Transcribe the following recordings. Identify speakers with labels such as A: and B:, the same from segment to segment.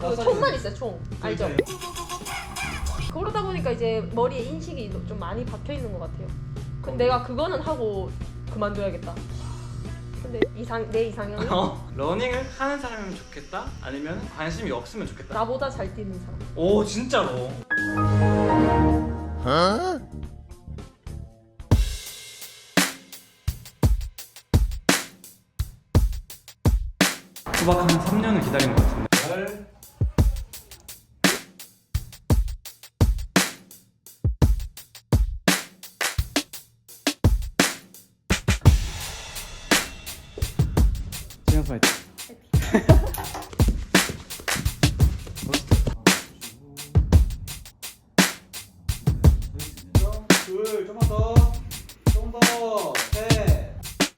A: 그 총만 있어요, 총. 알죠? 그러다 보니까 이제 머리에 인식이 좀 많이 박혀 있는 것 같아요. 근데 내가 그거는 하고 그만둬야겠다. 근데 내 이상형이
B: 러닝을 하는 사람이면 좋겠다? 아니면 관심이 없으면 좋겠다?
A: 나보다 잘 뛰는 사람.
B: 오 진짜로? 수박 한 3년을 기다린 것 같은데. 지금 파이팅.
C: 둘, 좀만 더, 셋.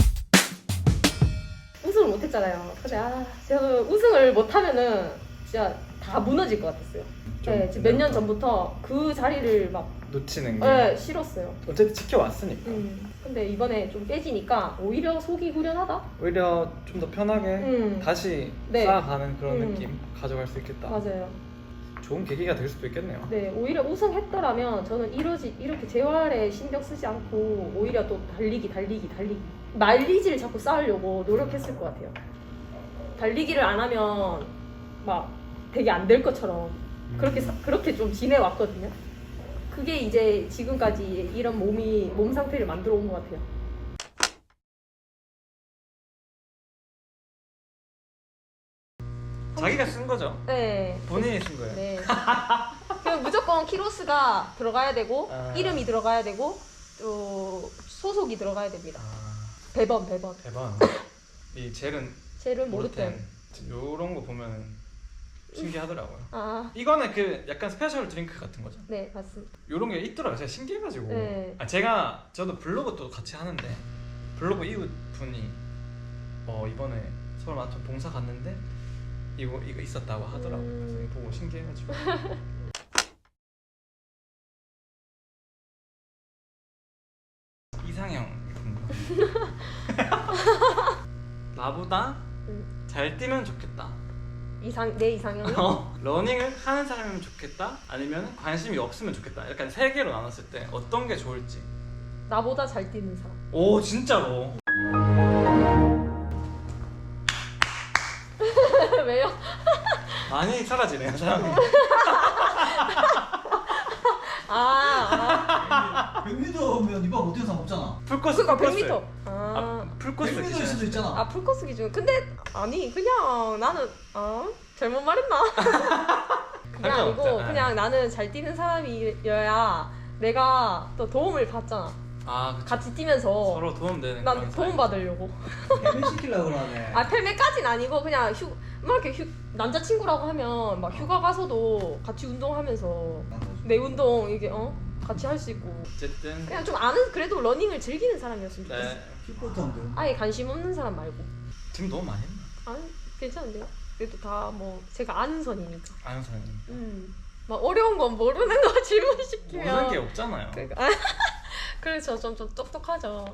A: 우승을 못했잖아요. 근데 제가 우승을 못하면은 진짜 다 무너질 것 같았어요. 네, 지금 몇 년 전부터 그 자리를 막
B: 놓치는 게
A: 싫었어요.
B: 어쨌든 지켜왔으니까.
A: 근데 이번에 좀 깨지니까 오히려 속이 후련하다?
B: 오히려 좀 더 편하게 다시
A: 네.
B: 쌓아가는 그런 느낌 가져갈 수 있겠다.
A: 맞아요.
B: 좋은 계기가 될 수도 있겠네요.
A: 네, 오히려 우승했더라면 저는 이렇게 재활에 신경 쓰지 않고 오히려 또 달리기 마일리지를 자꾸 쌓으려고 노력했을 것 같아요. 달리기를 안 하면 막 되게 안 될 것처럼 그렇게 좀 지내왔거든요. 그게 이제 지금까지 이런 몸 상태를 만들어 온 것 같아요.
B: 자기가 쓴 거죠?
A: 네.
B: 본인이 쓴 거예요?
A: 네. 그럼 무조건 키로스가 들어가야 되고 이름이 들어가야 되고 또 소속이 들어가야 됩니다. 배번.
B: 대박. 이
A: 젤은 모르텐.
B: 요런 거 보면 신기하더라고요. 이거는 그 약간 스페셜 드링크 같은 거죠?
A: 네, 맞습니다.
B: 요런 게 있더라고요. 제가 신기해가지고.
A: 네.
B: 저도 블로그 또 같이 하는데 블로그 이웃분이 이번에 서울 마라톤 봉사 갔는데 이거 있었다고 하더라고요. 그래서 이거 보고 신기해가지고. 이상형 나보다 잘 뛰면 좋겠다.
A: 내 이상형이?
B: 러닝을 하는 사람이면 좋겠다? 아니면 관심이 없으면 좋겠다? 약간 세 개로 나눴을 때 어떤 게 좋을지.
A: 나보다 잘 뛰는 사람.
B: 오 진짜로?
A: 왜요?
B: 많이 사라지네요 사람이.
C: 100m면 이번 어떻게 상관없잖아.
B: 풀코스.
A: 그러니까 100m.
B: 풀코스
C: 100m일 수도 있잖아.
A: 풀코스 기준. 근데 아니 그냥 나는 잘못 말했나? 그게 아니고
B: 상관없잖아.
A: 그냥 나는 잘 뛰는 사람이어야 내가 또 도움을 받잖아.
B: 그쵸.
A: 같이 뛰면서
B: 서로 도움되는
A: 난
B: 그런
A: 도움
B: 사이.
A: 받으려고.
C: 헬멧 시키려고 그러네.
A: 펠메까진 아니고 그냥 막 이렇게 남자친구라고 하면 막 휴가 가서도 같이 운동하면서 내 운동 이게 같이 할 수 있고.
B: 어쨌든
A: 그냥 좀 그래도 러닝을 즐기는 사람이었으면 좋겠어.
B: 네.
C: 킥보드인데.
A: 아예 관심 없는 사람 말고.
B: 지금 너무 많이 했나?
A: 아니 괜찮은데요? 그래도 다 뭐 제가 아는 선이니까.
B: 아는 사람이
A: 막 어려운 건 모르는 거 질문시키면
B: 모르는 게 없잖아요.
A: 그러니까 그래서 좀 똑똑하죠.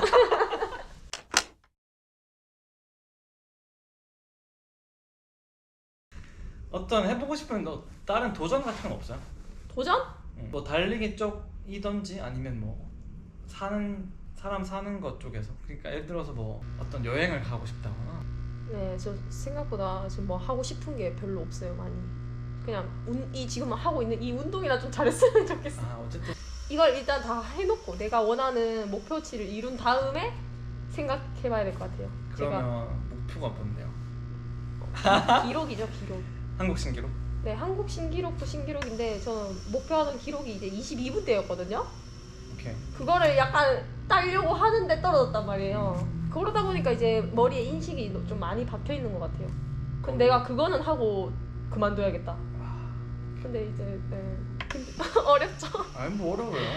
B: 어떤 해보고 싶은 다른 도전 같은 건 없어요?
A: 도전?
B: 뭐 달리기 쪽이던지 아니면 뭐 사람 사는 것 쪽에서. 그러니까 예를 들어서 뭐 어떤 여행을 가고 싶다거나.
A: 네, 저 생각보다 지금 뭐 하고 싶은 게 별로 없어요, 많이. 그냥 지금 하고 있는 이 운동이나 좀 잘했으면 좋겠어.
B: 어쨌든
A: 이걸 일단 다 해놓고 내가 원하는 목표치를 이룬 다음에 생각해봐야 될 것 같아요.
B: 그러면 목표가 뭔데요?
A: 기록이죠, 기록.
B: 한국 신기록?
A: 네, 한국 신기록도 신기록인데 저는 목표하던 기록이 이제 22분대였거든요.
B: 오케이.
A: 그거를 약간 따려고 하는데 떨어졌단 말이에요. 그러다 보니까 이제 머리에 인식이 좀 많이 박혀 있는 것 같아요. 근데 내가 그거는 하고 그만둬야겠다. 근데 이제 어렵죠.
B: 아니 뭐 어려워요.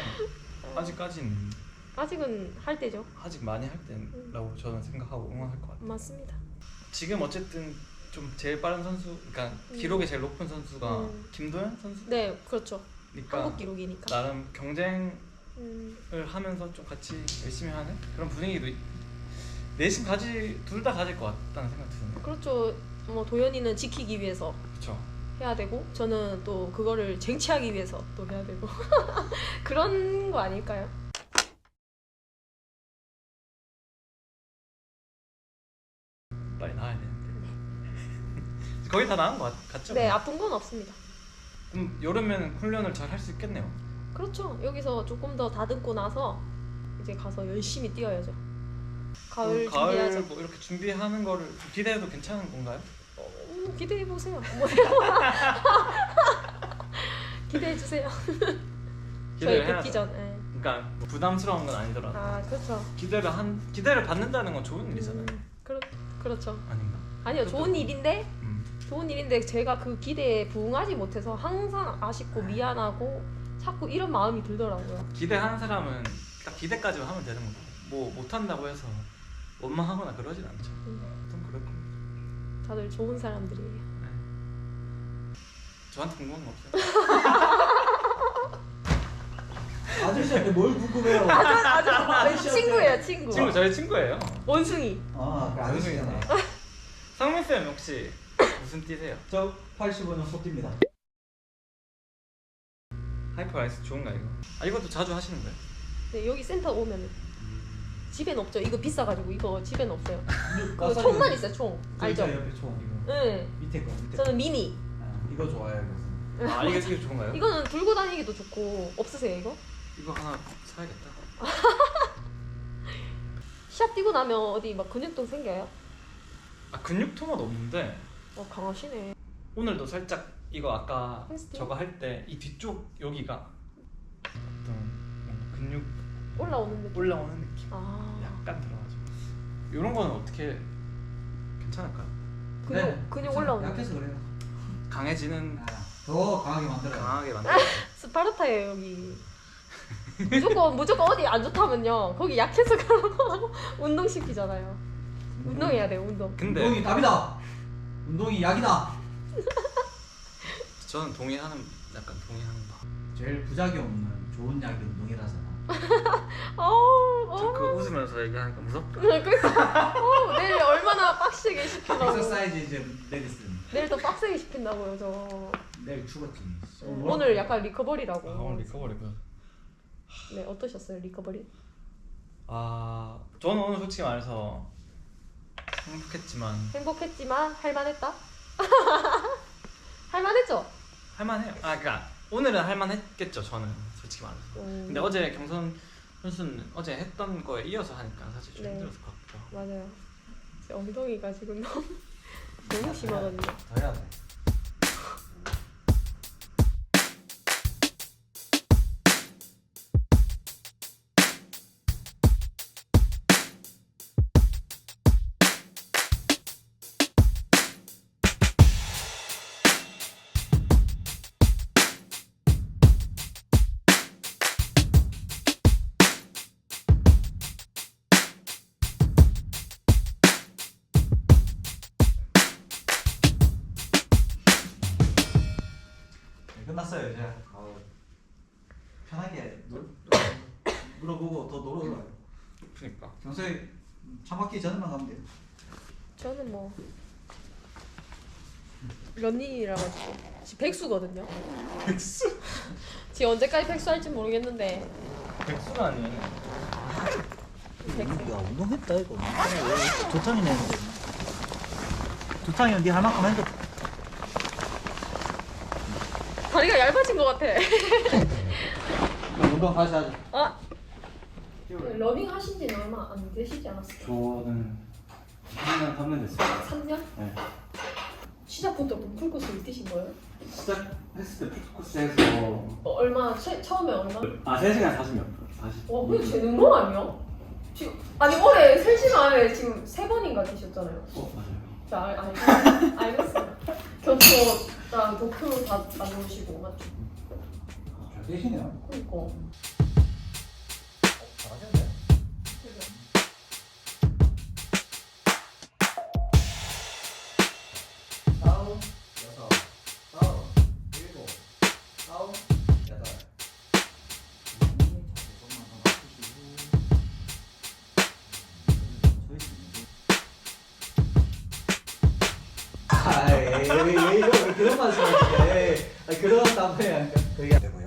A: 아직은 할 때죠.
B: 아직 많이 할 때라고 저는 생각하고 응원할 것 같아요.
A: 맞습니다.
B: 지금 어쨌든 좀 제일 빠른 선수, 그러니까 기록이 제일 높은 선수가 김도현 선수?
A: 네, 그렇죠.
B: 그러니까
A: 한국 기록이니까.
B: 나름 경쟁을 하면서 좀 같이 열심히 하는 그런 분위기도 내심 둘 다 가질 것 같다는 생각 드네요.
A: 그렇죠. 뭐 도현이는 지키기 위해서,
B: 그렇죠.
A: 해야 되고 저는 또 그거를 쟁취하기 위해서 또 해야 되고 그런 거 아닐까요?
B: 빨리 나와야 되는데. 거의 다 나은 것 같죠?
A: 네, 아픈 건 없습니다.
B: 그럼 여름에는 훈련을 잘 할 수 있겠네요.
A: 그렇죠. 여기서 조금 더 다듬고 나서 이제 가서 열심히 뛰어야죠. 가을 준비하죠.
B: 뭐 이렇게 준비하는 거를 기대해도 괜찮은 건가요?
A: 기대해 보세요. 기대해 주세요. 저희
B: 해야죠.
A: 복귀 전. 네.
B: 그러니까 뭐 부담스러운 건 아니더라도
A: 아 그렇죠.
B: 기대를 받는다는 건 좋은 일이잖아요.
A: 그렇죠.
B: 아닌가?
A: 아니요,
B: 그것도
A: 좋은 일인데
B: 음.
A: 좋은 일인데 제가 그 기대에 부응하지 못해서 항상 아쉽고 미안하고 자꾸 이런 마음이 들더라고요.
B: 기대하는 사람은 딱 기대까지만 하면 되는 거고 뭐 못한다고 해서 원망하거나 그러진 않죠. 좀 그럴 겁니다.
A: 다들 좋은 사람들이에요.
B: 저한테 궁금한 거 없어요?
C: 아저씨한테 뭘 궁금해요?
A: 친구예요, 친구.
B: 친구 저희 친구예요.
A: 원숭이.
C: 아, 그 아저씨잖아.
B: 상민 쌤 혹시 무슨 띠세요?
C: 저 85년 소띠입니다.
B: 하이퍼 아이스 좋은가 이거? 아 이것도 자주 하시는 거예요?
A: 네, 여기 센터 오면 집엔 없죠. 이거 비싸가지고 이거 집엔 없어요. 그
C: 마사지
A: 총만 있어요, 총. 알죠?
C: 옆에 총 이거.
A: 네.
C: 밑에 거 밑에.
A: 저는 미니.
C: 이거 좋아해요. 그래서.
B: 아 이게 되게 좋은가요?
A: 이거는 들고 다니기도 좋고. 없으세요 이거?
B: 이거 하나 사야겠다.
A: 시합 뛰고 나면 어디 막 근육통 생겨요?
B: 아 근육통은 없는데
A: 강하시네.
B: 오늘도 살짝 이거 아까
A: 헬스티?
B: 저거 할 때 이 뒤쪽 여기가 어떤 뭔가 근육
A: 올라오는 느낌.
B: 올라오는 느낌
A: 아.
B: 약간 들어가지고 이런 거는 어떻게 괜찮을까요?
A: 근육
C: 괜찮아.
A: 올라오는
C: 약해서 그래요.
B: 강해지는
C: 아, 더 강하게 만들어요.
B: 강하게 만들
A: 스파르타예요 여기. 무조건 어디 안 좋다면요 거기 약해서 가라고 운동 시키잖아요. 운동해야 돼요 운동.
B: 근데
C: 운동이 답이다. 운동이 약이다.
B: 저는 동의하는 바
C: 제일 부작용 없는 좋은 약이 운동이라잖아.
B: 저 그거 웃으면서 얘기하니까 무섭다.
A: 그러니까 내일 얼마나 빡세게 시키려고.
C: 엑서사이즈 이제 메디슨.
A: 내일 더 빡세게 시킨다고요 저.
C: 내일 죽었지.
A: 오늘 약간 리커버리라고.
B: 아 오늘 리커버리구나.
A: 네 어떠셨어요 리커버리?
B: 아 저는 오늘 솔직히 말해서
A: 행복했지만 할만했다? 할만했죠?
B: 할만해요. 아 그러니까 오늘은 할만했겠죠 저는 솔직히 말해서. 근데 어제 경선 선수는 어제 했던 거에 이어서 하니까 사실 좀
A: 네.
B: 힘들었을 것 같기도 하고.
A: 맞아요. 제 엉덩이가 지금 너무 심하거든요.
C: 더 해야 돼. 끝났어요 이제. 편하게 물어보고 더 놀러 가요.
B: 그러니까.
C: 경서에 차 막히기 전에만 가면 돼요.
A: 저는 뭐 런닝이라 가지고 지금 백수거든요.
B: 백수?
A: 지금 언제까지 백수할지 모르겠는데
B: 백수가 아니에요.
A: 백수.
C: 야 운동했다 이거. 조탕이네. 조탕이면 네할 만큼 했는데.
A: 다리가 얇아진 것 같아.
C: 운동 다시 하자.
A: 아 러닝 하신 지는 얼마 안 되시지 않았어요?
D: 저는 3년 3년 됐어요.
A: 3년?
D: 네.
A: 시작부터 풀코스를 뛰신 거예요?
D: 시작했을 때 풀코스에서
A: 얼마 처음에 얼마?
D: 3시간 40몇 분. 40.
A: 와 근데 재능거 아니야? 지금 아니 올해 3시간 안에 지금 3번인가 뛰셨잖아요.
D: 맞아요.
A: 자 알겠어요. 교토랑 도쿄 다 다녀오시고 맞죠?
C: 잘 되시네요.
A: 그니까.
C: 잘하셨네. 다운 여섯, 다운 일곱, 다운 여덟. 아이 왜 이거 왜 그런 말씀하시냐? 한번 해야 그 얘기